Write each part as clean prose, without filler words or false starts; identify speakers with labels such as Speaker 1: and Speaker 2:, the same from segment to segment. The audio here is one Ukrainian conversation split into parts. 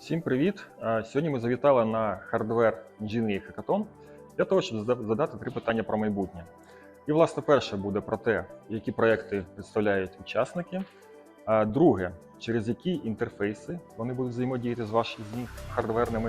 Speaker 1: Всім привіт! Сьогодні ми завітали на Hardware Engineering Hackathon для того, щоб задати 3 питання про майбутнє. І, власне, перше буде про те, які проекти представляють учасники. Друге, через які інтерфейси вони будуть взаємодіяти з вашими хардверними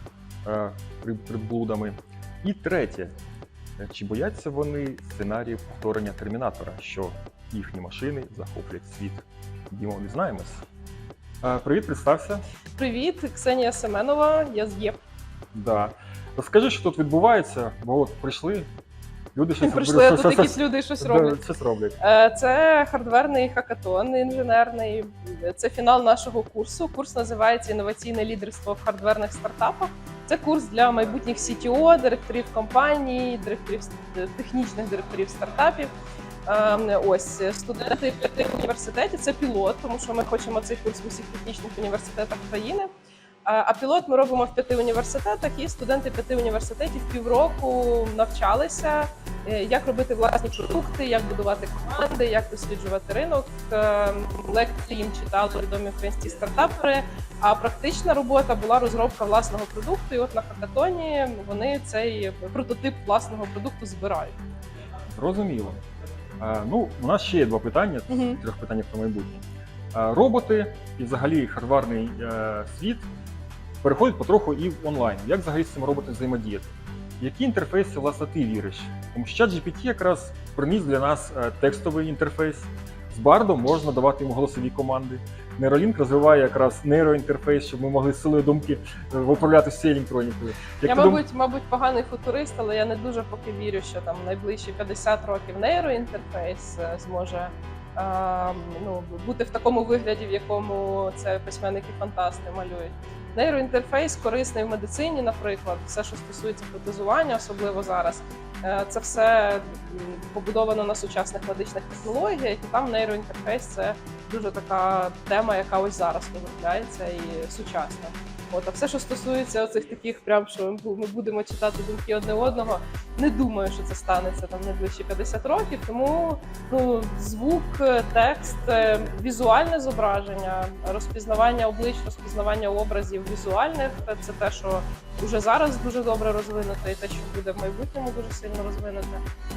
Speaker 1: приблудами. І третє, чи бояться вони сценаріїв повторення Термінатора, що їхні машини захоплять світ. Дімо, дізнаємось. Привіт, представся.
Speaker 2: Привіт, Ксенія Семенова, я з ЄП.
Speaker 1: Да. Розкажи, що тут відбувається, бо от прийшли, люди щось
Speaker 2: Прийшли, а тут якісь люди щось роблять.
Speaker 1: Щось роблять.
Speaker 2: Це хардверний хакатон інженерний, це фінал нашого курсу. Курс називається «Інноваційне лідерство в хардверних стартапах». Це курс для майбутніх CTO, директорів компаній, технічних директорів стартапів. Ось студенти 5 університетів, це пілот, тому що ми хочемо цей курс в усіх технічних університетах країни. А пілот ми робимо в 5 університетах, і студенти 5 університетів півроку навчалися, як робити власні продукти, як будувати команди, як досліджувати ринок. Лекції їм читали відомі українські стартапери, а практична робота була розробка власного продукту. І от на хакатоні вони цей прототип власного продукту збирають.
Speaker 1: Зрозуміло. У нас ще є 2 питання, 3 питання про майбутнє. Роботи і взагалі хардварний світ переходять потроху і в онлайн. Як взагалі з цим роботом взаємодіяти? Які інтерфейси, власне, ти віриш? Тому що ChatGPT якраз приніс для нас текстовий інтерфейс. З Bardом можна давати йому голосові команди. Neuralink розвиває якраз нейроінтерфейс, щоб ми могли з силою думки управляти всією електронікою.
Speaker 2: Я, мабуть, поганий футурист, але я не дуже поки вірю, що там найближчі 50 років нейроінтерфейс зможе бути в такому вигляді, в якому це письменники-фантасти малюють. Нейроінтерфейс корисний в медицині, наприклад, все, що стосується протезування, особливо зараз. Це все побудовано на сучасних медичних технологіях, і там нейроінтерфейс – це дуже така тема, яка ось зараз розробляється і сучасна. А все, що стосується оцих таких, прям, що ми будемо читати думки одне одного, не думаю, що це станеться там найближчі 50 років. Тому звук, текст, візуальне зображення, розпізнавання облич, розпізнавання образів візуальних – це те, що вже зараз дуже добре розвинуто, і те, що буде в майбутньому дуже сильно розвинуте.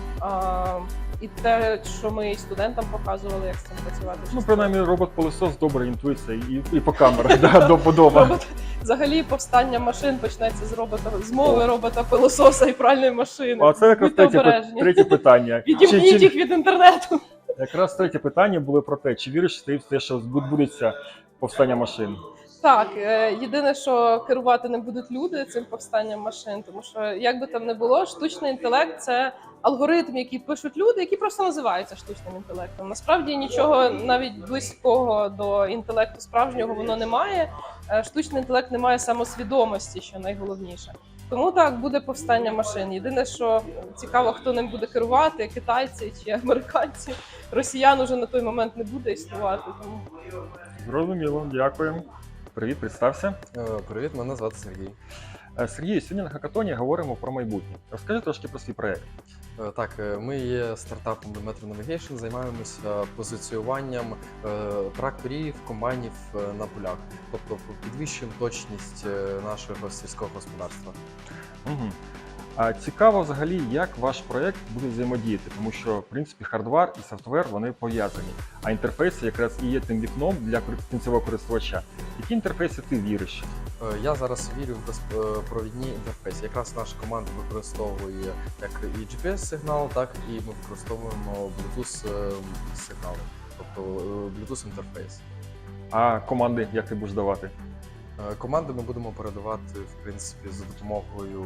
Speaker 2: І те, що ми і студентам показували, як з цим працювати.
Speaker 1: Принаймні, робот-пилосос добре інтуїться і по камерах до подоба.
Speaker 2: Взагалі, повстання машин почнеться з мови робота-пилососа і пральної машини.
Speaker 1: А це якраз третє питання.
Speaker 2: Відімніть їх від інтернету.
Speaker 1: Якраз третє питання було про те, чи віриш ти в те, що відбудеться повстання машин?
Speaker 2: Так, єдине, що керувати не будуть люди цим повстанням машин, тому що, як би там не було, штучний інтелект – це алгоритм, який пишуть люди, які просто називаються штучним інтелектом. Насправді нічого навіть близького до інтелекту справжнього воно не має. Штучний інтелект не має самосвідомості, що найголовніше. Тому так, буде повстання машин. Єдине, що цікаво, хто ним буде керувати, китайці чи американці. Росіян уже на той момент не буде існувати. Тому...
Speaker 1: Зрозуміло, дякую. Привіт, представся.
Speaker 3: Привіт, мене звати Сергій.
Speaker 1: Сергій, сьогодні на хакатоні говоримо про майбутнє. Розкажи трошки про свій проєкт.
Speaker 3: Так, ми є стартапом Metro Navigation, займаємося позиціюванням тракторів, комбайнів на полях. Тобто підвищуємо точність нашого сільського господарства.
Speaker 1: Угу. Цікаво взагалі, як ваш проєкт буде взаємодіяти, тому що, в принципі, хардвар і софтвер, вони пов'язані, а інтерфейси якраз і є тим вікном для кінцевого користувача. Які інтерфейси ти віриш?
Speaker 3: Я зараз вірю в безпровідні інтерфейси. Якраз наша команда використовує як і GPS-сигнал, так і ми використовуємо Bluetooth-сигнали, тобто Bluetooth-інтерфейс.
Speaker 1: А команди як ти будеш давати?
Speaker 3: Команди ми будемо передавати, в принципі, за допомогою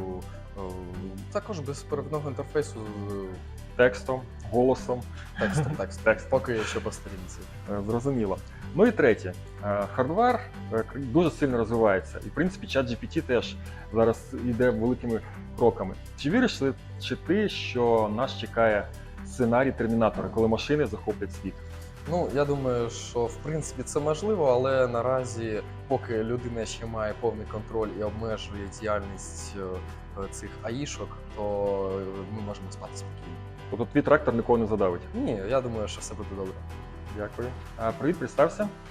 Speaker 3: також безперервного інтерфейсу.
Speaker 1: Текстом, голосом.
Speaker 3: Текст. Поки ще по сторінці.
Speaker 1: Зрозуміло. Ну і третє. Хардвар дуже сильно розвивається. І, в принципі, ChatGPT теж зараз йде великими кроками. Чи віриш ти, що нас чекає сценарій Термінатора, коли машини захоплять світ?
Speaker 3: Я думаю, що в принципі це можливо, але наразі, поки людина ще має повний контроль і обмежує діяльність цих АІшок, то ми можемо спати спокійно.
Speaker 1: Тобто твій трактор нікого не задавить?
Speaker 3: Ні, я думаю, що все буде добре.
Speaker 1: Дякую. Привіт, представся.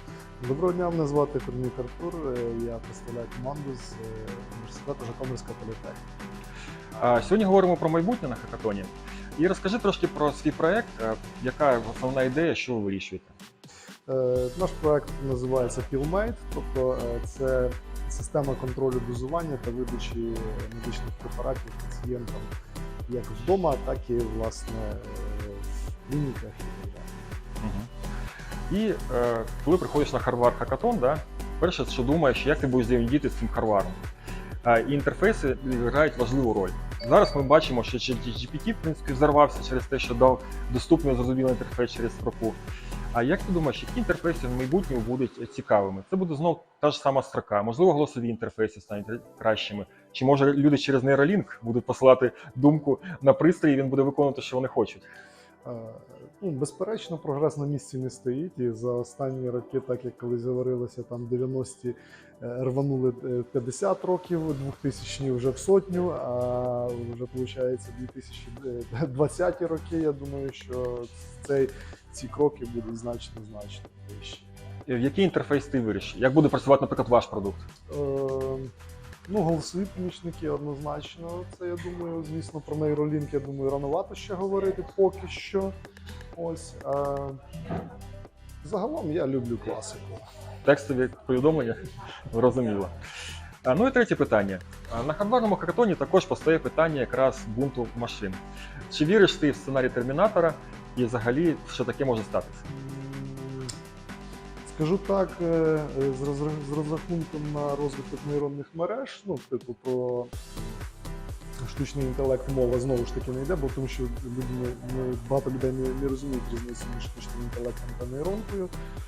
Speaker 4: Доброго дня, мене звати Корнюк Артур. Я представляю команду з університету Житомирська політехніка.
Speaker 1: Сьогодні говоримо про майбутнє на хакатоні. І розкажи трошки про свій проєкт, яка основна ідея, що ви вирішуєте?
Speaker 4: Наш проект називається PillMate, тобто це система контролю дозування та видачі медичних препаратів пацієнтам як вдома, так і власне в клініках і так далі.
Speaker 1: І коли приходиш на Harvard Hackathon, да, перше, що думаєш, як ти будеш взаємодіяти з цим Harvard. І інтерфейси грають важливу роль. Зараз ми бачимо, що GPT, в принципі, взорвався через те, що дав доступний зрозумілий інтерфейс через строку. А як ти думаєш, які інтерфейси в майбутньому будуть цікавими? Це буде знов та ж сама строка, можливо, голосові інтерфейси стануть кращими. Чи може люди через Neuralink будуть посилати думку на пристрій, і він буде виконувати, що вони хочуть?
Speaker 4: Безперечно, прогрес на місці не стоїть, і за останні роки, так як колись говорилося, там 90-ті рванули 50 років, 2000-ні вже в сотню, а вже, виходить, 2020 роки, я думаю, що ці кроки будуть значно вищі.
Speaker 1: В який інтерфейс ти вирішиш? Як буде працювати, наприклад, ваш продукт?
Speaker 4: Голосові помічники однозначно. Це, я думаю, звісно, про Neuralink, я думаю, рановато ще говорити поки що. Ось. Загалом я люблю класику.
Speaker 1: Текстові повідомлення? Зрозуміло. Ну і третє питання. На Harvardному хакатоні також постає питання якраз бунту машин. Чи віриш ти в сценарій Термінатора і взагалі, що таке може статися?
Speaker 4: Скажу так, з розрахунком на розвиток нейронних мереж, про штучний інтелект мова знову ж таки не йде, бо тому що багато людей не розуміють різницю між штучним інтелектом та нейронкою.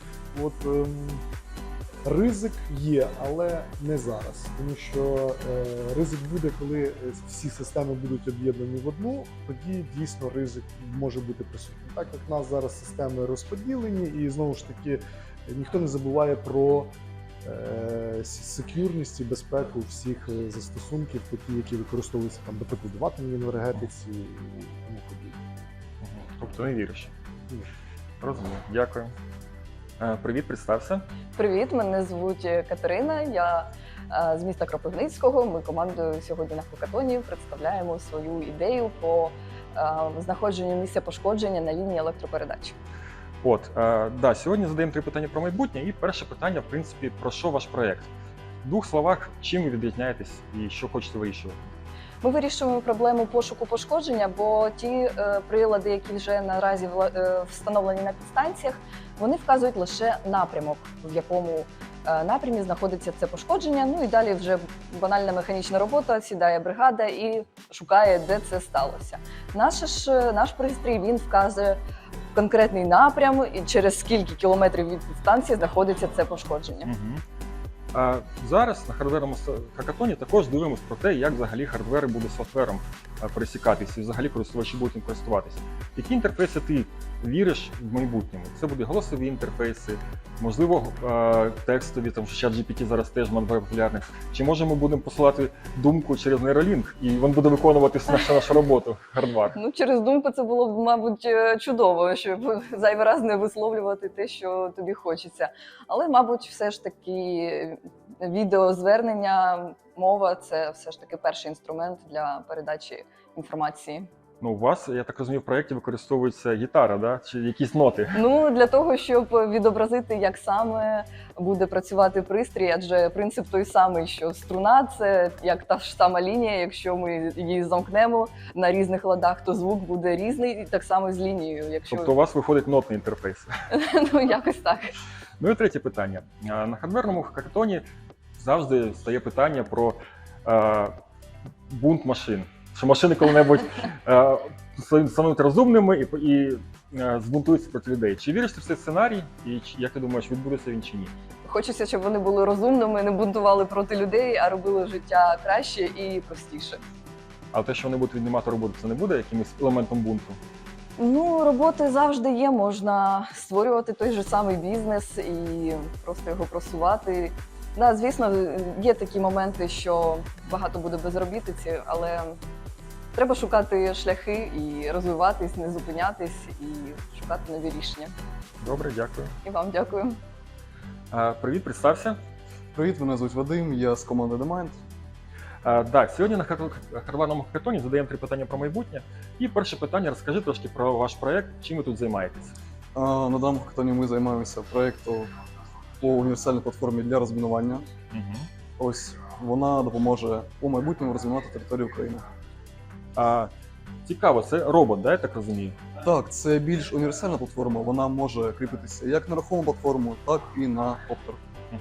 Speaker 4: Ризик є, але не зараз. Тому що ризик буде, коли всі системи будуть об'єднані в одну, тоді дійсно ризик може бути присутній. Так як в нас зараз системи розподілені, і знову ж таки ніхто не забуває про сек'юрність і безпеку всіх застосунків, такі, які використовуються, там, до прикладу, в атомній енергетиці і тому подібне.
Speaker 1: Тобто не віриш?
Speaker 4: Ні.
Speaker 1: Розумію. Дякую. Привіт, представся.
Speaker 5: Привіт, мене звуть Катерина, я з міста Кропивницького. Ми командою сьогодні на хакатоні представляємо свою ідею по знаходженню місця пошкодження на лінії електропередач.
Speaker 1: Сьогодні задаємо 3 питання про майбутнє, і перше питання, в принципі, про що ваш проєкт? В 2 словах, чим ви відрізняєтесь і що хочете вирішувати?
Speaker 5: Ми вирішуємо проблему пошуку пошкодження, бо ті прилади, які вже наразі встановлені на підстанціях, вони вказують лише напрямок, в якому напрямі знаходиться це пошкодження. Ну і далі вже банальна механічна робота, сідає бригада і шукає, де це сталося. Наш пристрій, він вказує конкретний напрям і через скільки кілометрів від підстанції знаходиться це пошкодження.
Speaker 1: Зараз на хардверному хакатоні також дивимося про те, як взагалі хардвер буде з софтвером пересікатися і взагалі користувачі будуть їм користуватися. Які інтерфейси ти віриш в майбутньому? Це будуть голосові інтерфейси, можливо, текстові, тому що ChatGPT зараз теж популярний. Чи може ми будемо посилати думку через Neuralink і він буде виконувати нашу роботу, хардвар?
Speaker 5: Через думку це було б, мабуть, чудово, щоб зайвий раз не висловлювати те, що тобі хочеться. Але, мабуть, все ж таки відеозвернення, мова – це все ж таки перший інструмент для передачі інформації.
Speaker 1: У вас, я так розумію, в проєкті використовується гітара, да? Чи якісь ноти?
Speaker 5: Для того, щоб відобразити, як саме буде працювати пристрій, адже принцип той самий, що струна – це як та ж сама лінія, якщо ми її замкнемо на різних ладах, то звук буде різний, і так само з лінією.
Speaker 1: Тобто у вас виходить нотний інтерфейс?
Speaker 5: Якось так.
Speaker 1: Ну і третє питання. На хардверному хакатоні завжди стає питання про бунт машин. Що машини коли-небудь стануть розумними і збунтуються проти людей. Чи віриш ти в цей сценарій? І як ти думаєш, відбудеться він чи ні?
Speaker 5: Хочеться, щоб вони були розумними, не бунтували проти людей, а робили життя краще і простіше.
Speaker 1: А те, що вони будуть віднімати роботу, це не буде якимось елементом бунту?
Speaker 5: Роботи завжди є, можна створювати той же самий бізнес і просто його просувати. Звісно, є такі моменти, що багато буде безробітиці, але треба шукати шляхи і розвиватись, не зупинятись і шукати нові рішення.
Speaker 1: Добре, дякую.
Speaker 5: І вам дякую.
Speaker 1: Привіт, представся.
Speaker 6: Привіт, мене звуть Вадим, я з команди DeMind.
Speaker 1: Так, сьогодні на харварному хакатоні задаємо 3 питання про майбутнє. І перше питання, розкажи трошки про ваш проект, чим ви тут займаєтесь.
Speaker 6: На даному хакатоні ми займаємося проєктом по універсальній платформі для розмінування. Ось вона допоможе у майбутньому розмінувати територію України.
Speaker 1: Цікаво, це робот, да, я так розумію?
Speaker 6: Так, це більш універсальна платформа, вона може кріпитися як на рухому платформу, так і на коптер.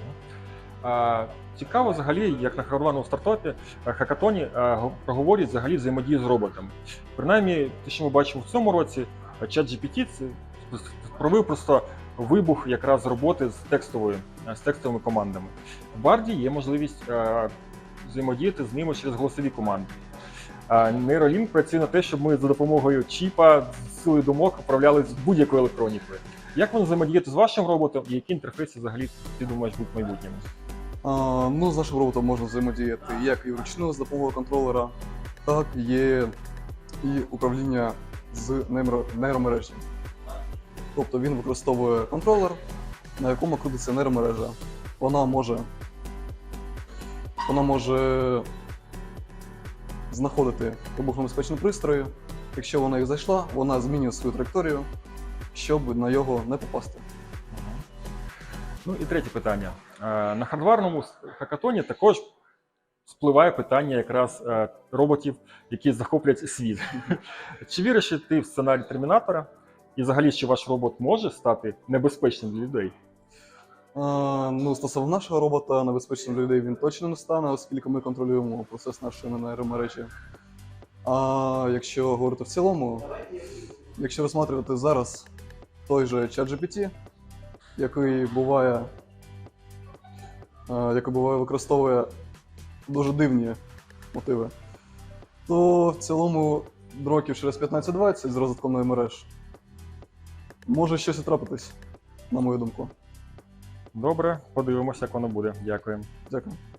Speaker 1: Цікаво взагалі, як на харварному стартапі хакатоні проговорюють взагалі взаємодію з роботами. Принаймні, те, що ми бачимо в цьому році, ChatGPT це провів просто вибух якраз роботи з текстовими командами. В Барді є можливість взаємодіяти з ними через голосові команди. Neuralink працює на те, щоб ми за допомогою чіпа з силою думок управляли будь-якою електронікою. Як вони взаємодіяти з вашим роботом і які інтерфейси взагалі ти думаєш будуть в майбутньому?
Speaker 6: З нашим роботом можна взаємодіяти як і вручну з допомогою контролера, так є і управління з нейромережі. Тобто він використовує контролер, на якому крутиться нейромережа. Вона може знаходити вибухонебезпечні пристрої. Якщо вона їх знайшла, вона змінює свою траєкторію, щоб на його не попасти.
Speaker 1: Ну і третє питання. На хардварному хакатоні також спливає питання якраз роботів, які захоплять світ. Чи віриш ти в сценарій Термінатора? І взагалі, чи ваш робот може стати небезпечним для людей?
Speaker 6: Стосовно нашого робота, небезпечним для людей він точно не стане, оскільки ми контролюємо процес нашої нейромережі. А якщо говорити в цілому, якщо розглядати зараз той же ChatGPT, який використовує дуже дивні мотиви, то в цілому років через 15-20 з розвитком мереж може щось і трапитись, на мою думку.
Speaker 1: Добре, подивимося, як воно буде. Дякую.
Speaker 6: Дякую.